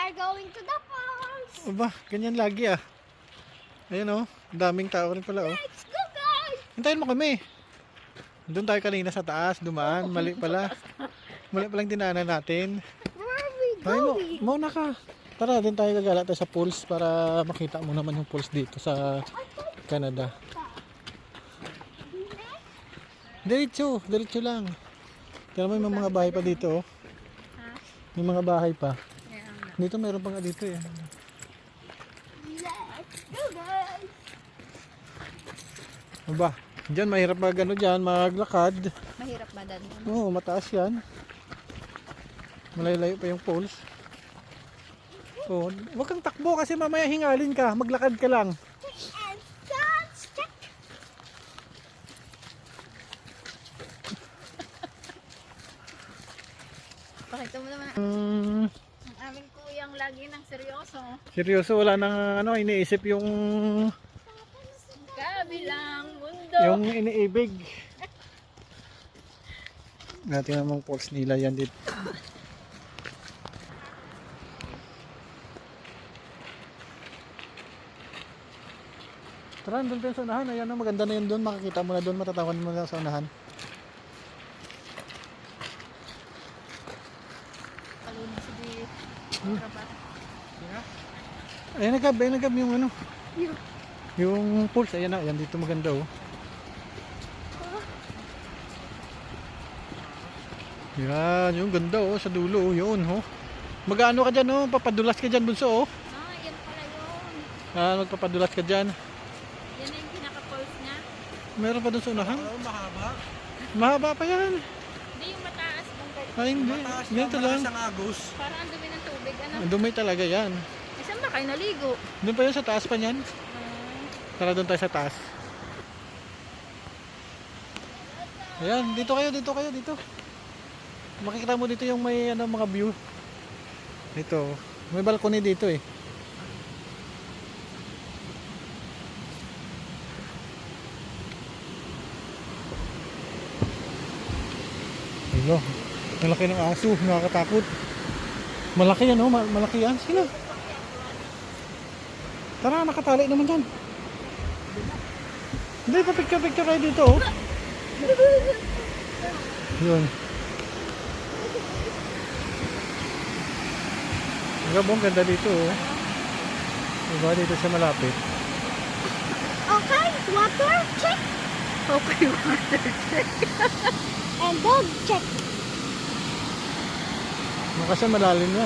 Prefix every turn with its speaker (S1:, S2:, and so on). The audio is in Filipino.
S1: are going to the falls.
S2: Aba, ganyan lagi ah. Ayan oh, daming tao rin pala oh.
S1: Let's go, guys.
S2: Hintayin mo kami. Doon tayo kanina sa taas, dumaan, mali pala. Mali palang dinaanan natin.
S1: Where are we
S2: Tayo
S1: going?
S2: mo, mauna ka. Tara, din tayo gagala tayo sa pools para makita mo naman yung pools dito sa Canada. Diretso, diretso lang. Kaya may mga bahay pa dito oh. May mga bahay pa. Dito meron pa nga dito eh.
S1: Let's go, guys.
S2: Aba, diyan mahirap mag ano diyan, maglakad.
S1: Mahirap ba dan?
S2: Oo, mataas yan. Malayo-layo pa yung poles. Oh, wag kang takbo kasi mamaya hingalin ka. Maglakad ka lang.
S1: And that's check. Pakita mo naman ang aming kuyang lagi ng seryoso.
S2: Seryoso, wala nang ano, iniisip yung
S1: Kabilang mundo.
S2: yung iniibig. Natin namang poles nila yan dito. Tara, doon tayo sa unahan. Ayan na, maganda na yun doon. Makikita mo na doon, matatawan mo na sa unahan.
S1: Palunin si Di.
S2: Ayan nagab yung ano. Yung pools, ayan na, ayan dito maganda oh. Yan, yung ganda oh, sa dulo oh, yun oh. Mag-ano ka dyan oh, papadulas ka dyan bunso oh.
S1: Ah, yan pala yun.
S2: Magpapadulas ka dyan.
S1: Yan na yung pinaka-pulse niya.
S2: Meron pa doon sa unahan?
S3: Oo, mahaba.
S2: Mahaba pa yan.
S1: Hindi yung mataas bang kayo.
S2: Ay hindi,
S3: Mataas
S2: ganito lang.
S3: siyang agos.
S1: Parang ang dumi ng tubig. Ano?
S2: Ang dumi talaga yan.
S1: Saan ba kayo naligo?
S2: Doon pa yun sa taas pa niyan. Tara doon tayo sa taas. Ayan, dito kayo, dito. Makikita mo dito yung may ano, mga view. Dito, may balcony dito eh. Ayun, malaki ng aso, nakakatakot. Malaki yan oh, malaki yan. Sino? Tara, nakatali naman dyan. Hindi, pa-picture kayo dito oh. Yun. Ang ganda dito oh. Diba dito siya malapit.
S1: Okay, water check. Okay, water check. And dog check.
S2: Kasi malalim yan.